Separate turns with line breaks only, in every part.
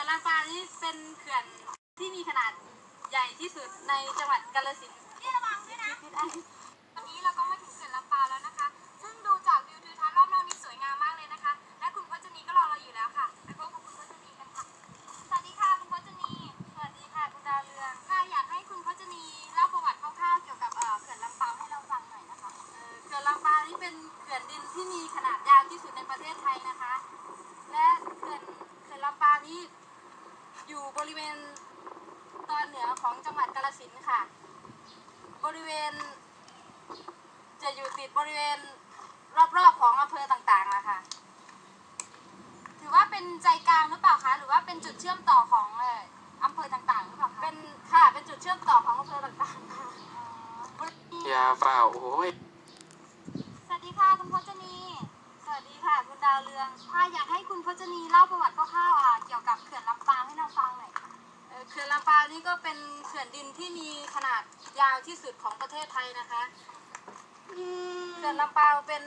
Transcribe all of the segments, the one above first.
ลำปางนี่เป็นเขื่อนที่มีขนาดใหญ่ที่สุดในจังหวัดกาฬสินธุ์พี่ระวังด้วยนะวันนี้เราก็มาถึงเขื่อนลำปางแล้วนะคะซึ่งดูจากวิวทิวทัศน์รอบนอกนี่สวยงามมากเลยนะคะและคุณพจนีก็รอเราอยู่แล้วค่ะไปพบกับคุณพจนีกันค่ะสวัสดีค่ะคุณพจนีสวัสดีค่ะคุณดาวเรืองค่ะอยากให้คุณพจนีเล่าประวัติคร่าวๆเกี่ยวกับเขื่อนลำปางให้เราฟังหน่อยนะคะเขื่อนลำปางนี่เป็นเขื่อนดินที่มีขนาดยาวที่สุดในประเทศไทยนะคะและเขื่อนลำปางนี้อยู่บริเวณตอนเหนือของจังหวัดกาฬสินธุ์ค่ะบริเวณจะอยู่ติดบริเวณรอบๆของอำเภอต่างๆนะคะถือว่าเป็นใจกลางหรือเปล่าคะหรือว่าเป็นจุดเชื่อมต่อของอำเภอต่างๆหรือเปล่าคะเป็นค่ะเป็นจุดเชื่อมต่อของอำเภอต่างๆค่ะ
ยาเปล่าโอ้ย
สวัสดีค่ะคุณพจนีสวัสดีค่ะคุณดาวเรืองค่ะอยากให้คุณพจนีเล่าประวัติคร่าวๆเกี่ยวกับเขื่อนลำปางให้เราฟังหน่อยค่ะเขื่อนลำปางนี่ก็เป็นเขื่อนดินที่มีขนาดยาวที่สุดของประเทศไทยนะคะเขื่อนลำปางเป็น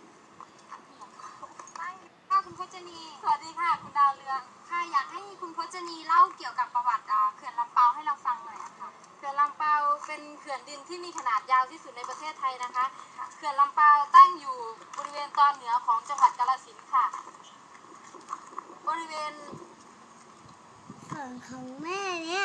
ค่ะคุณพจนีสวัสดีค่ะคุณดาวเรืองค่ะอยากให้คุณพจนีเล่าเกี่ยวกับประวัติเขื่อนลำปางให้เราฟังหน่อยค่ะเขื่อนลำปางเป็นเขื่อนดินที่มีขนาดยาวที่สุดในประเทศไทยนะคะเขื่อนลำปางตั้งอยู่บริเวณตอนเหนือของจังหวัดกาฬสินธุ์ค่ะบริเวณ
ส่วนของแม่เนี่ย